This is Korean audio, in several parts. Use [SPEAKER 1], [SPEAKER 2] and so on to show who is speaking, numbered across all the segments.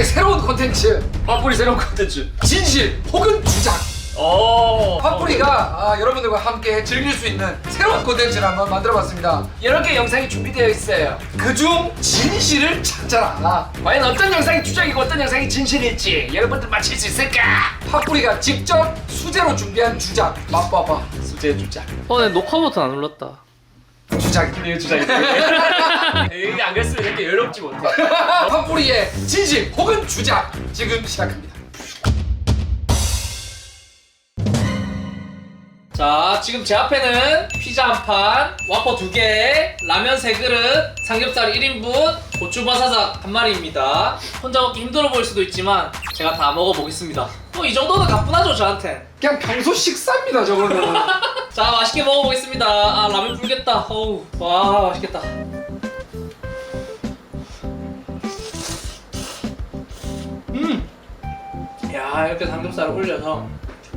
[SPEAKER 1] 팟뿌리의 새로운 콘텐츠.
[SPEAKER 2] 팟뿌리 새로운 콘텐츠.
[SPEAKER 1] 진실 혹은 주작. 팟뿌리가 여러분들과 함께 즐길 수 있는 새로운 콘텐츠를 한번 만들어봤습니다.
[SPEAKER 2] 여러 개 영상이 준비되어 있어요.
[SPEAKER 1] 그중 진실을 찾아라.
[SPEAKER 2] 과연 어떤 영상이 주작이고 어떤 영상이 진실일지 여러분들 맞힐 수 있을까?
[SPEAKER 1] 팟뿌리가 직접 수제로 준비한 주작 맛봐봐.
[SPEAKER 2] 수제 주작.
[SPEAKER 3] 내 녹화 버튼 안 눌렀다.
[SPEAKER 1] 주작이.
[SPEAKER 2] 이게 주작이지. 이게 안 그랬으면 이렇게 여롭지 못해.
[SPEAKER 1] 팟뿌리의 진실 혹은 주작 지금 시작합니다.
[SPEAKER 3] 자, 지금 제 앞에는 피자 한 판, 와퍼 2개, 라면 3그릇, 삼겹살 1인분, 고추바사삭 한 마리입니다. 혼자 먹기 힘들어 보일 수도 있지만 제가 다 먹어보겠습니다. 이 정도는 가뿐하죠, 저한텐.
[SPEAKER 1] 그냥 평소 식사입니다 저거는.
[SPEAKER 3] 자, 맛있게 먹어보겠습니다. 라면 불겠다. 어우, 와, 맛있겠다. 야, 이렇게 삼겹살을 올려서.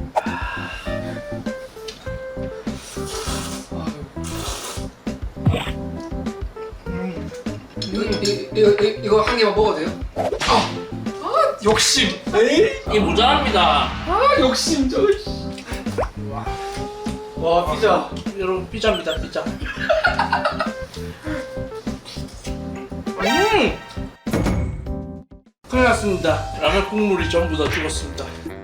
[SPEAKER 1] 이거 한 개만 먹어도 돼요? 욕심.
[SPEAKER 3] 이게 모자랍니다.
[SPEAKER 1] 욕심 저.
[SPEAKER 2] 와 피자.
[SPEAKER 3] 여러분, 피자입니다, 피자. 큰일 났습니다. 라면 국물이 전부 다 죽었습니다.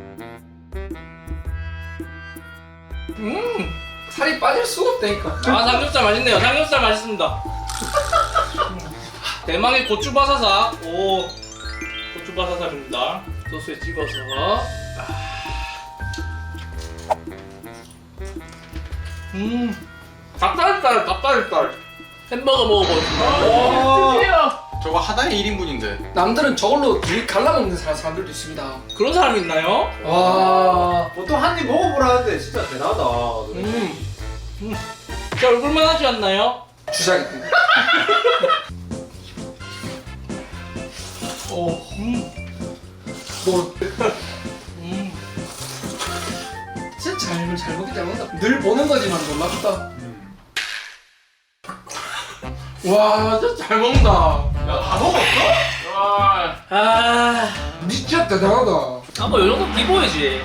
[SPEAKER 1] 살이 빠질 수가 없다니까.
[SPEAKER 3] 삼겹살 맛있네요. 삼겹살 맛있습니다. 대망의 고추바사삭. 오, 고추바사삭입니다. 소스에 찍어서. 닭다리살. 햄버거 먹어보겠습니다.
[SPEAKER 4] 저거 하나에 1인분인데.
[SPEAKER 1] 남들은 저걸로 둘이 갈라먹는 사람들도 있습니다.
[SPEAKER 3] 그런 사람 있나요?
[SPEAKER 1] 와.
[SPEAKER 2] 보통 한 입 먹어보라는데 진짜 대단하다.
[SPEAKER 3] 제 얼굴만 하지 않나요?
[SPEAKER 1] 주작이. 뭐 진짜 잘 먹기 때문에 늘 보는 거지만 놀랍다. 와 진짜 잘 먹는다.
[SPEAKER 2] 다 먹었어?
[SPEAKER 1] 진짜 대단하다.
[SPEAKER 3] 뭐 이 정도 비보이지.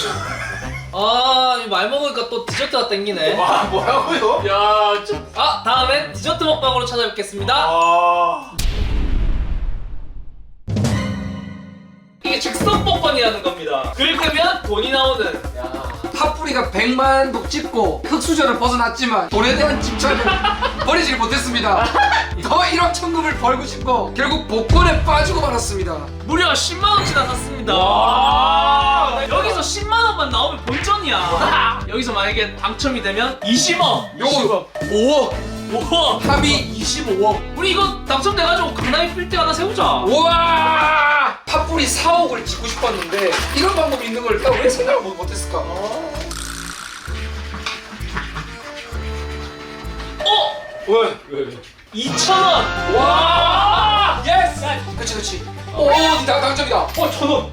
[SPEAKER 3] 말 먹으니까 또 디저트가 땡기네.
[SPEAKER 2] 와 뭐라고요? 야 좀.
[SPEAKER 3] 다음엔 디저트 먹방으로 찾아뵙겠습니다. 이게 즉석 복권이라는 겁니다. 긁으면 돈이 나오는.
[SPEAKER 1] 팥뿌리가 100만 독 찍고 흙수저를 벗어났지만 돈에 대한 집착을 버리질 못했습니다. 더 1억 천금을 벌고 싶고 결국 복권에 빠지고 말았습니다.
[SPEAKER 3] 무려 10만원치나 샀습니다. 여기서 10만원만 나오면 본전이야. 여기서 만약에 당첨이 되면 20억.
[SPEAKER 1] 요거 5억.
[SPEAKER 3] 5억.
[SPEAKER 1] 합이 25억.
[SPEAKER 3] 우리 이거 당첨돼가지고 강남에 빌딩 하나 세우자.
[SPEAKER 1] 우와! 팥뿌리 4억을 짓고 싶었는데 이런 방법이 있는 걸 내가 왜 생각을 못했을까?
[SPEAKER 2] 왜?
[SPEAKER 3] 2,000원.
[SPEAKER 1] 와! 예스! 그치. 오, 당첨이다.
[SPEAKER 2] 1,000원.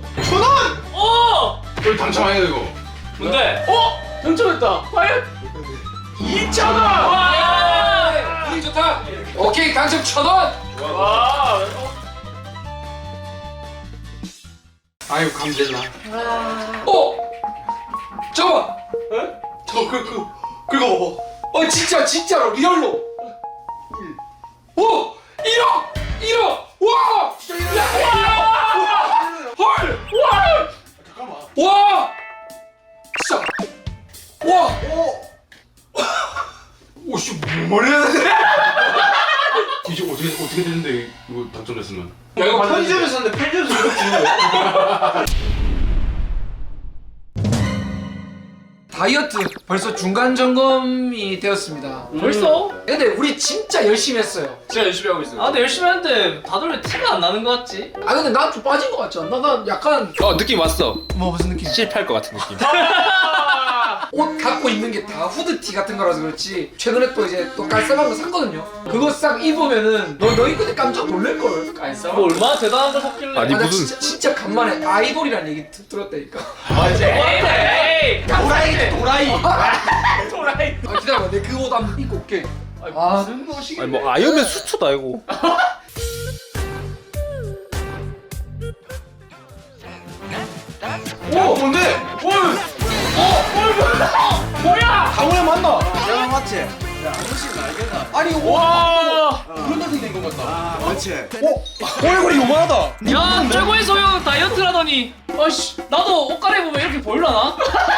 [SPEAKER 4] 이거 당첨아니야 이거.
[SPEAKER 3] 뭔데?
[SPEAKER 2] 당첨했다. 과연?
[SPEAKER 3] 2,000원.
[SPEAKER 1] 와! 분위기 좋다. 오케이, 당첨 1,000원.
[SPEAKER 2] 와.
[SPEAKER 1] 아유, 감질나. 잠깐만.
[SPEAKER 2] 그거 봐봐.
[SPEAKER 1] 진짜로 리얼로. 1억. 와! 진짜 1억. 헐!
[SPEAKER 2] 잠깐만.
[SPEAKER 1] 와! 진짜. 와! 오씨 뭐 말해야 돼?
[SPEAKER 4] 이제 어떻게 되는데 이거 당첨됐으면?
[SPEAKER 2] 야 이거 편의점에서 샀는데 편의점에서 이거 주는 거야?
[SPEAKER 1] 다이어트 벌써 중간 점검이 되었습니다.
[SPEAKER 3] 벌써?
[SPEAKER 1] 근데 우리 진짜 열심히 했어요.
[SPEAKER 2] 진짜 열심히 하고 있어요.
[SPEAKER 3] 근데 열심히 하는데 다들 왜 티가 안 나는 것 같지?
[SPEAKER 1] 근데 난 좀 빠진 것 같지 않나? 난 약간
[SPEAKER 4] 느낌 왔어.
[SPEAKER 1] 뭐 무슨 느낌?
[SPEAKER 4] 실패할 것 같은 느낌.
[SPEAKER 1] 옷 갖고 입는 게 다 후드티 같은 거라서 그렇지. 최근에 또 이제 또 깔쌈한 거 샀거든요. 그거 싹 입으면은 너희 그때 깜짝 놀랄걸.
[SPEAKER 2] 깔쌈.
[SPEAKER 3] 뭐 얼마나 대단한 걸 샀길래?
[SPEAKER 4] 아니,
[SPEAKER 1] 나
[SPEAKER 4] 무슨-
[SPEAKER 1] 진짜 간만에 아이돌이란 얘기 들었다니까.
[SPEAKER 2] 맞아.
[SPEAKER 3] 에이!
[SPEAKER 2] 도라이.
[SPEAKER 1] 기다려봐, 내 그 옷 한번 입고 올게.
[SPEAKER 2] 무슨 옷이?
[SPEAKER 4] 아이언맨 수트다 이거. 뭔데?
[SPEAKER 2] 뭐야?
[SPEAKER 4] 강호야 맞나?
[SPEAKER 5] 내가 맞지?
[SPEAKER 4] 아니
[SPEAKER 2] 와.
[SPEAKER 4] 그런 데서 된것 같다.
[SPEAKER 5] 아 그렇지.
[SPEAKER 4] 얼굴이 요만하다.
[SPEAKER 3] 야 최고의 소형 다이어트라더니 아씨 나도 옷 갈아입으면 이렇게 보일라나?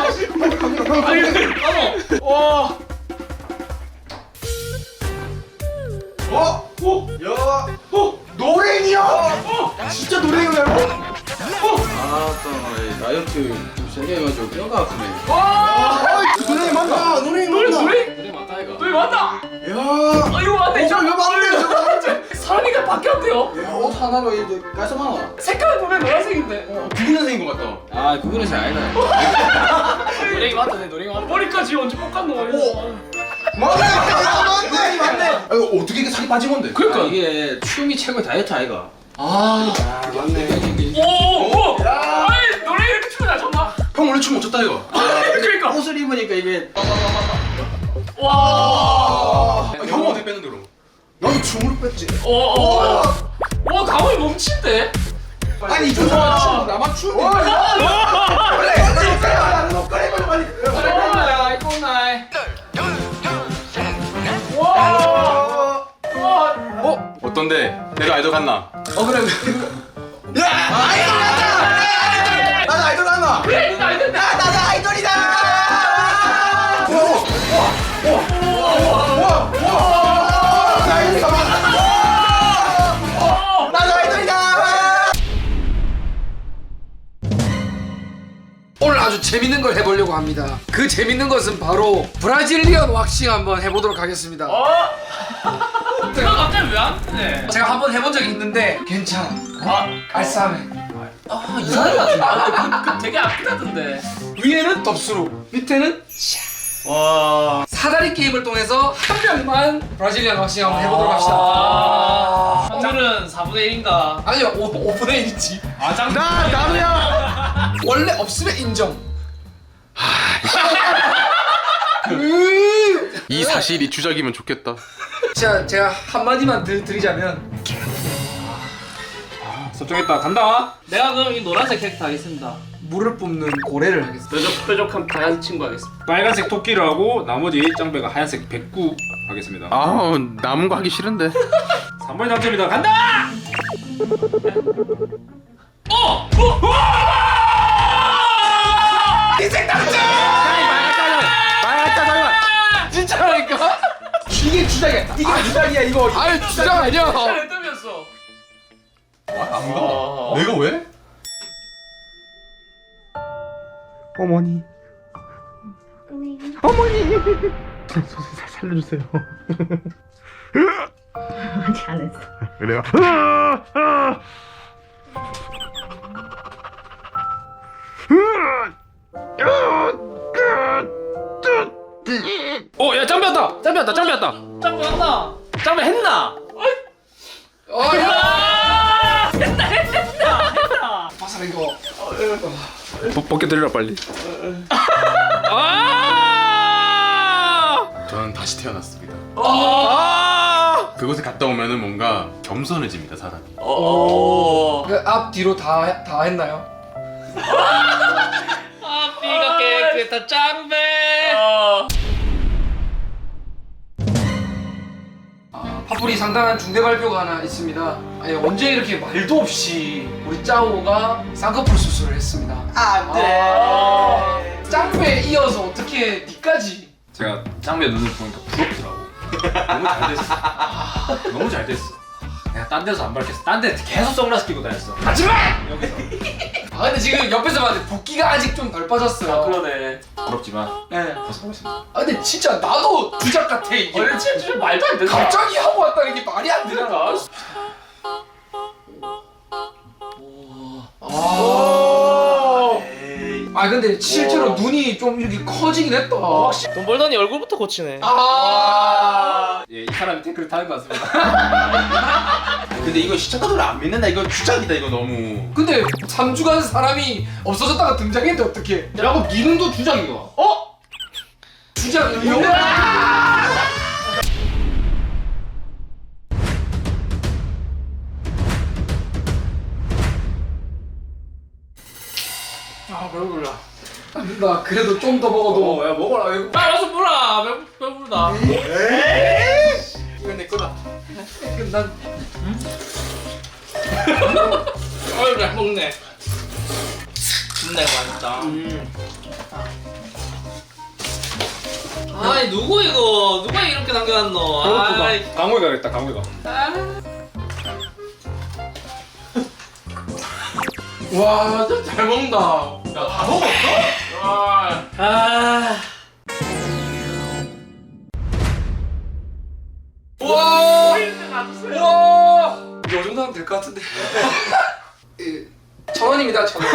[SPEAKER 3] 나도
[SPEAKER 2] 와.
[SPEAKER 5] 야.
[SPEAKER 4] 노랭이야. 진짜 노랭이야.
[SPEAKER 5] 아또 다이어트 좀 세게 해가지고 뼈가 아프네.
[SPEAKER 4] 노랭이 맞나?
[SPEAKER 5] 노래
[SPEAKER 2] 노래
[SPEAKER 3] 그래 맞다 이거
[SPEAKER 2] 노래 맞다.
[SPEAKER 5] 야.
[SPEAKER 2] 아 이거 맞네. 저
[SPEAKER 5] 이거 맞네, 저거 맞네.
[SPEAKER 2] 사람이가 바뀌었대요.
[SPEAKER 5] 옷 하나로 이제 깔끔하나?
[SPEAKER 2] 색깔 보면 노란색인데.
[SPEAKER 4] 9년생인 것 같다.
[SPEAKER 5] 아 그거는 잘 아니다.
[SPEAKER 3] 노랭이 맞다 내 노랭이 맞다.
[SPEAKER 2] 머리까지 언제 깎았노?
[SPEAKER 4] 맞네. 맞네. 아 이거 어떻게 이게 살이 빠진 건데?
[SPEAKER 5] 그러니까 이게 춤이 최고의 다이어트 아이가. 아 맞네.
[SPEAKER 2] 오. 아이 노래 이렇게 춤이 나 정말.
[SPEAKER 4] 형 원래 춤 못 췄다 이거.
[SPEAKER 2] 그러니까.
[SPEAKER 5] 옷을 입으니까 이게
[SPEAKER 2] 와.
[SPEAKER 4] 형 어떻게 뺐는데 그럼?
[SPEAKER 5] 나도 춤을 뺐지.
[SPEAKER 2] 와 가만히 멈춘데.
[SPEAKER 4] 아니 이쪽
[SPEAKER 2] 와.
[SPEAKER 4] 사람 나만 추.
[SPEAKER 2] 와. 와.
[SPEAKER 4] 어떤데? 내가 아이돌 같나?
[SPEAKER 5] 그래. 야 아이돌 같다. 나도 아이돌 같나?
[SPEAKER 2] 그래 이거 알겠네.
[SPEAKER 5] 나도 아이돌이다. 나도 아이돌이다.
[SPEAKER 1] 오늘 아주 재밌는 걸 해보려고 합니다. 그 재밌는 것은 바로 브라질리언 왁싱 한번 해보도록 하겠습니다.
[SPEAKER 3] 내가 갑자기 왜 안 뜨네?
[SPEAKER 1] 제가 한번 해본 적이 있는데 괜찮아. 알싸해.
[SPEAKER 3] 아 이상한 것 같은데. 그 되게 아프다던데.
[SPEAKER 1] 위에는 덥수로, 밑에는
[SPEAKER 5] 와.
[SPEAKER 1] 사다리 게임을 통해서 한 명만 브라질리언 왁싱 한번 해보도록 합시다.
[SPEAKER 3] 확률은 4분의 1인가?
[SPEAKER 1] 아니요, 5분의 1이지.
[SPEAKER 3] 아 짱.
[SPEAKER 5] 나도야.
[SPEAKER 1] 원래 없으면 인정.
[SPEAKER 4] 이 사실이 주작이면 좋겠다.
[SPEAKER 1] 제가 한마디만 드리자면
[SPEAKER 4] 설정했다. 간다.
[SPEAKER 3] 내가 그럼 이 노란색 캐릭터 하겠습니다.
[SPEAKER 1] 물을 뿜는 고래를 하겠습니다.
[SPEAKER 2] 뾰족한 다양한 친구 하겠습니다.
[SPEAKER 6] 빨간색 토끼를 하고 나머지 짱배가 하얀색 백구 하겠습니다.
[SPEAKER 4] 아 남은 거 하기 싫은데.
[SPEAKER 6] 3번이 당첨이다. 간다!
[SPEAKER 1] 진짜라니까?
[SPEAKER 5] 이게 주작이야. 이게 주작이야 이거.
[SPEAKER 1] 아유 주장 아니야.
[SPEAKER 2] 잘 뜨면서.
[SPEAKER 4] 내가 왜?
[SPEAKER 7] 잘했어.
[SPEAKER 6] 야 짱배 왔다! 짱배 왔다! 짱배 왔다!
[SPEAKER 3] 짱 왔나?
[SPEAKER 6] 짱배 했나?
[SPEAKER 1] 바사라 이거.
[SPEAKER 6] 벗겨드리라 빨리.
[SPEAKER 4] 저는 다시 태어났습니다. 그곳에 갔다 오면은 뭔가 겸손해집니다 사람이.
[SPEAKER 1] 그 앞 뒤로 다 했나요?
[SPEAKER 3] 앞뒤가 깨끗한 짱배.
[SPEAKER 1] 파뿌리 상당한 중대 발표가 하나 있습니다. 아니, 언제 이렇게 말도 없이 우리 짜오가 쌍꺼풀 수술을 했습니다.
[SPEAKER 5] 안돼.
[SPEAKER 1] 짱배에 이어서 어떻게 니까지?
[SPEAKER 6] 제가 짱배 눈을 보니까 부럽더라고. 너무 잘 됐어. 너무 잘 됐어. 내가 딴 데서 안 밝혔어. 딴 데 계속 선글라스 끼고 다녔어.
[SPEAKER 1] 하지마!
[SPEAKER 6] 여기서.
[SPEAKER 1] 아 근데 지금 옆에서 봤는데 붓기가 아직 좀 덜 빠졌어요.
[SPEAKER 2] 그러네.
[SPEAKER 6] 부럽지만
[SPEAKER 1] 네.
[SPEAKER 6] 벗어보겠습니다.
[SPEAKER 1] 아 근데 진짜 나도 주작 같아 이게.
[SPEAKER 2] 원래 진짜 말도 안 된다.
[SPEAKER 1] 갑자기 하고 왔다는 게 말이 안 되잖아. 아 근데 실제로 눈이 좀 이렇게 커지긴 했다.
[SPEAKER 3] 돈 벌더니 얼굴부터 고치네.
[SPEAKER 6] 예, 이 사람이 댓글을 다는 것 같습니다.
[SPEAKER 4] 근데 이거 시청자들 안 믿는다. 이거 주작이다. 이거 너무.
[SPEAKER 1] 근데 3주간 사람이 없어졌다가 등장했는데 어떡해?
[SPEAKER 6] 야, 그럼 네 눈도 주작인가?
[SPEAKER 1] 주작이요?
[SPEAKER 3] 아 배불러.
[SPEAKER 1] 나 그래도 좀 더 먹어도.
[SPEAKER 5] 야 먹어라 이거.
[SPEAKER 3] 아 어서 불러. 배부르다.
[SPEAKER 5] 이건 내 거다.
[SPEAKER 1] 난
[SPEAKER 3] 어이 잘 먹네. 진짜 맛있다. 아이 누구 이거? 누가 이렇게 남겨놨노? 아이.
[SPEAKER 6] 강호이 가겠다 강호이가.
[SPEAKER 1] 와 진짜 잘 먹는다.
[SPEAKER 6] 야다 먹었어? 와.
[SPEAKER 3] 아.
[SPEAKER 1] 우와. 우와. 이 정도 하면 될 것 같은데. 1,000원입니다. 1,000원.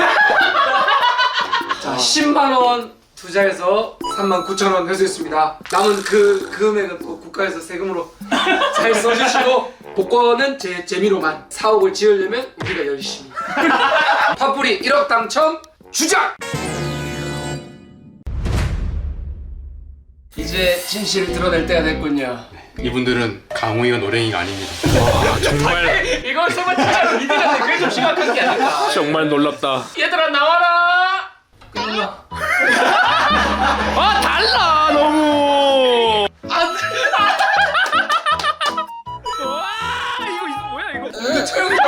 [SPEAKER 1] 자 10만 원 투자해서 39,000원 회수했습니다. 남은 그 금액은 또 국가에서 세금으로 잘 써주시고 복권은 제 재미로만 사옥을 지으려면 우리가 열심히. 팝뿌리 1억 당첨 주작! 이제 진실을 드러낼 때가 됐군요.
[SPEAKER 4] 이분들은 강호이가 노랭이가 아닙니다.
[SPEAKER 2] 이걸 설마 진짜로 믿으려는데 그게 좀 심각한 게 아닐까.
[SPEAKER 6] 정말 놀랍다.
[SPEAKER 2] 얘들아 나와라.
[SPEAKER 1] 끝났나?
[SPEAKER 6] 아 달라 너무.
[SPEAKER 1] 이거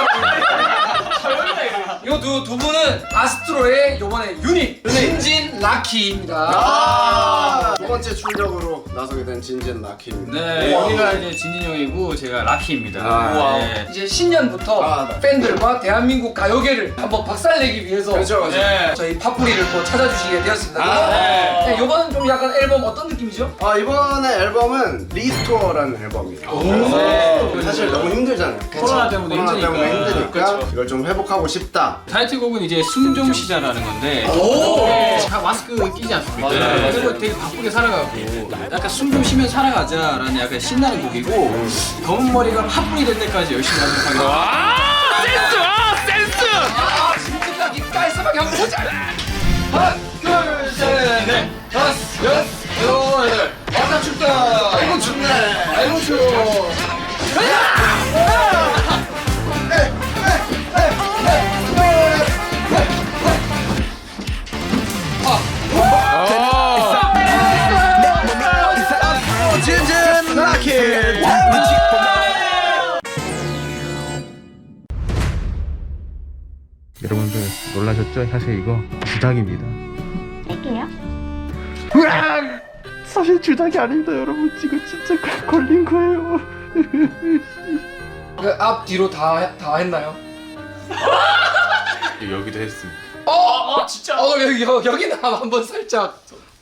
[SPEAKER 1] 이거 두 분은 아스트로의 요번에 유닛 신진 라키입니다.
[SPEAKER 5] 두 번째 출력으로 나서게 된 진진 라키입니다.
[SPEAKER 7] 네, 여기가 이제 진진 형이고 제가 라키입니다.
[SPEAKER 5] 아,
[SPEAKER 7] 네.
[SPEAKER 1] 이제 신년부터
[SPEAKER 5] 네.
[SPEAKER 1] 팬들과 대한민국 가요계를 한번 박살내기 위해서
[SPEAKER 5] 그렇죠, 그렇죠.
[SPEAKER 7] 네.
[SPEAKER 1] 저희 팝뿌리를 또 찾아주시게 되었습니다.
[SPEAKER 7] 네.
[SPEAKER 1] 네, 요번은 좀 약간 앨범 어떤 느낌이죠?
[SPEAKER 5] 이번에 앨범은 리스토어라는 앨범입니다. 그래서 사실 너무 힘들잖아요.
[SPEAKER 7] 코로나 때문에 힘드니까.
[SPEAKER 5] 그렇죠. 이걸 좀 회복하고 싶다.
[SPEAKER 7] 타이틀곡은 이제 숨 좀 쉬자라는 건데
[SPEAKER 1] 오!
[SPEAKER 7] 다 마스크 끼지 않습니까?
[SPEAKER 1] 맞아요.
[SPEAKER 7] 그리고 되게 바쁘게 살아가고 약간 숨 좀 쉬면서 살아가자라는 약간 신나는 곡이고 검은 머리가 팥불이 될 때까지 열심히 하도록 하겠습니다.
[SPEAKER 1] 아, 신진 라키 깔끔하게 한번 보자! 하나, 둘, 셋, 넷, 다섯, 여섯, 일곱, 여덟. 왔다 춥다! 아이고 춥네! 아이고 추워!
[SPEAKER 5] 진진 라키!
[SPEAKER 8] 여러분들 놀라셨죠? 사실 이거 주작입니다.
[SPEAKER 9] 할게요.
[SPEAKER 8] 사실 주작이 아닙니다, 여러분. 지금 진짜 걸린 거예요.
[SPEAKER 1] 그 앞 뒤로 다 했나요?
[SPEAKER 4] 여기도 했습니다.
[SPEAKER 1] 진짜? 여기는 한번 살짝.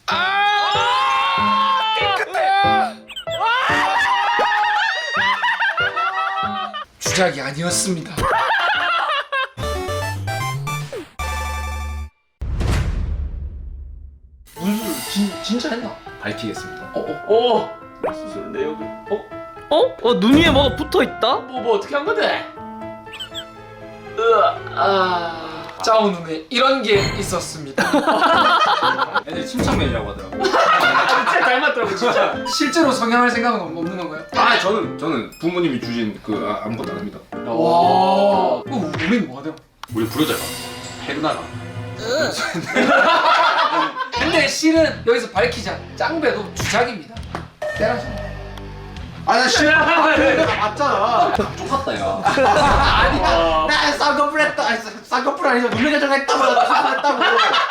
[SPEAKER 1] 주작이 아니었습니다. 진짜 했나?
[SPEAKER 6] 밝히겠습니다.
[SPEAKER 5] 수술 내역을.
[SPEAKER 3] 눈 위에 뭐가 붙어 있다?
[SPEAKER 2] 뭐 어떻게 한 건데?
[SPEAKER 1] 짜오 눈에 이런 게 있었습니다.
[SPEAKER 7] 애들 침착맨이라고 하더라고.
[SPEAKER 2] 진짜 닮았더라고 진짜.
[SPEAKER 1] 실제로 성형할 생각은 없는 건가요?
[SPEAKER 6] 저는 부모님이 주신 그 아무것도 안 합니다.
[SPEAKER 1] 와. 우린 뭐가 돼요?
[SPEAKER 4] 우리 부르자가 페르나가.
[SPEAKER 1] 근데 실은 여기서 밝히자. 짱배도 주작입니다. 때라죠.
[SPEAKER 5] 나 싫어. 내가 맞잖아.
[SPEAKER 6] 똑같다 야.
[SPEAKER 5] 나 쌍꺼풀 했다. 쌍꺼풀 아니죠. 눈매교정 했다고. 했다고.